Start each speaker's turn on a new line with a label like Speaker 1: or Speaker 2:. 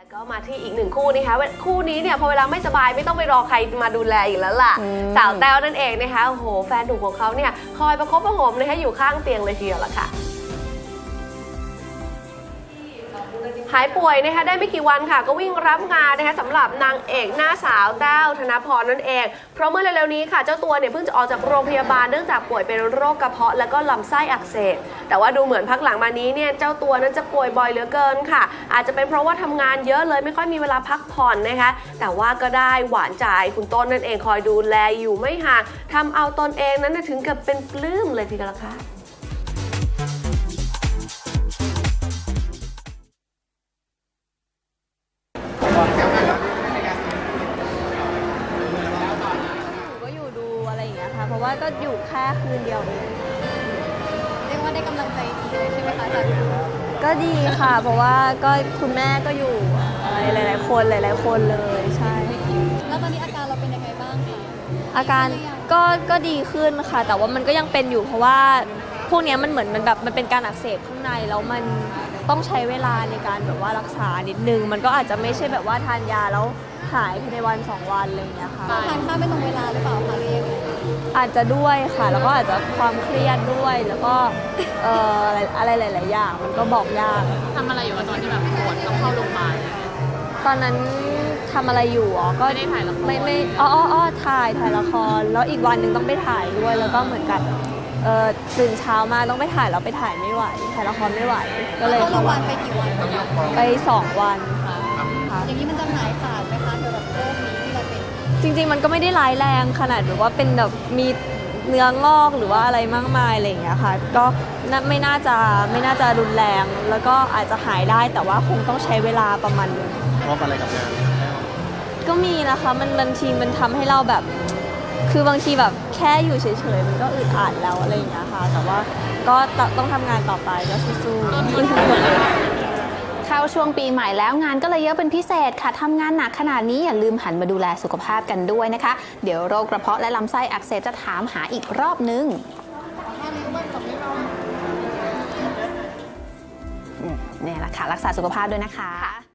Speaker 1: ก็มาที่อีกหนึ่งคู่นะคะคู่นี้เนี่ยพอเวลาไม่สบายไม่ต้องไปรอใครมาดูแลอีกแล้วล่ะสาวแต้วนั่นเองนะคะโอ้โหแฟนหนุ่มของเขาเนี่ยคอยประคบประหงมนะคะอยู่ข้างเตียงเลยทีเดียวล่ะค่ะหายป่วยนะคะได้ไม่กี่วันค่ะก็วิ่งรับงานนะคะสำหรับนางเอกหน้าสาวแต้วธนพรนั่นเองเพราะเมื่อเร็วๆนี้ค่ะเจ้าตัวเนี่ยเพิ่งจะออกจากโรงพยาบาลเนื่องจากป่วยเป็นโรคกระเพาะและก็ลำไส้อักเสบแต่ว่าดูเหมือนพักหลังมานี้เนี่ยเจ้าตัวนั้นจะป่วยบ่อยเหลือเกินค่ะอาจจะเป็นเพราะว่าทำงานเยอะเลยไม่ค่อยมีเวลาพักผ่อนนะคะแต่ว่าก็ได้หวานใจคุณต้นนั่นเองคอยดูแลอยู่ไม่ห่างทำเอาตนเองนั้นถึงกับเป็นปลื้มเลยทีเดียวล่ะค่ะ
Speaker 2: เพราะว่าก็อยู่แค่คืนเดียวเอง
Speaker 3: เรียกว่าได้กำลังใจดีเลยใช่ไหมคะจาก
Speaker 2: ก็ดีค่ะเพราะว่าก็คุณแม่ก็อยู่หลายๆคนเลยใช่
Speaker 3: แล้วตอนนี้อาการเราเป็นยังไงบ้างคะ
Speaker 2: อาการก็ดีขึ้นค่ะแต่ว่ามันก็ยังเป็นอยู่เพราะว่าพวกนี้มันเหมือนมันเป็นการอักเสบข้างในแล้วมันต้องใช้เวลาในการแบบว่ารักษานิดนึงมันก็อาจจะไม่ใช่แบบว่าทานยาแล้วหายภายในวัน2 วันอะไรอย่างเงี้ยค่ะ
Speaker 3: ทานข้าวไม่ตรงเวลาหรือเปล่าคะเรียก
Speaker 2: อาจจะด้วยค่ะแล้วก็อาจจะความเครียดด้วยแล้วก็อะไรหลายๆอย่างมันก็บอกยาก
Speaker 4: ทำอะไรอยู่ตอนที่แบบปวดต้องเข้าโรงพยาบาล
Speaker 2: ตอนนั้นทำอะไรอยู่ก็
Speaker 4: ไม่ได้ถ่ายละคร
Speaker 2: ไม่ถ่ายละครแล้วอีกวันหนึ่งต้องไปถ่ายด้วยแล้วก็เหมือนกับตื่นเช้ามาต้องไปถ่ายแล้วไปถ่ายไม่ไหวถ่ายละครไม่ไหวก็เลย
Speaker 3: เข้าโรงพยาบาลไปกี่วัน
Speaker 2: ไป2 วันค่ะ
Speaker 3: อย่างนี้มันจะหายขาดไหมคะเกี่ยวกับโรคนี้ที่เราเป็น
Speaker 2: จริงๆมันก็ไม่ได้ร้ายแรงขนาดแบบว่าเป็นแบบมีเนื้องอกหรือว่าอะไรมากมายอะไรอย่างเงี้ยค่ะก็ไม่น่าจะรุนแรงแล้วก็อาจจะหายได้แต่ว่าคงต้องใช้เวลาประมาณนึง
Speaker 5: เพราะอะไรกับงาน
Speaker 2: ก็มีนะคะมันบางทีมันทำให้เราแบบคือบางทีแบบแค่อยู่เฉยๆมันก็อึดอัดแล้วอะไรอย่างเงี้ยค่ะแต่ว่าก็ต้องทำงานต่อไปก็สู้
Speaker 6: เข้าช่วงปีใหม่แล้วงานก็เลยเยอะเป็นพิเศษค่ะทำงานหนักขนาดนี้อย่าลืมหันมาดูแลสุขภาพกันด้วยนะคะเดี๋ยวโรคกระเพาะและลำไส้อักเสบจะถามหาอีกรอบนึงนี่แหละค่ะรักษาสุขภาพด้วยนะคะ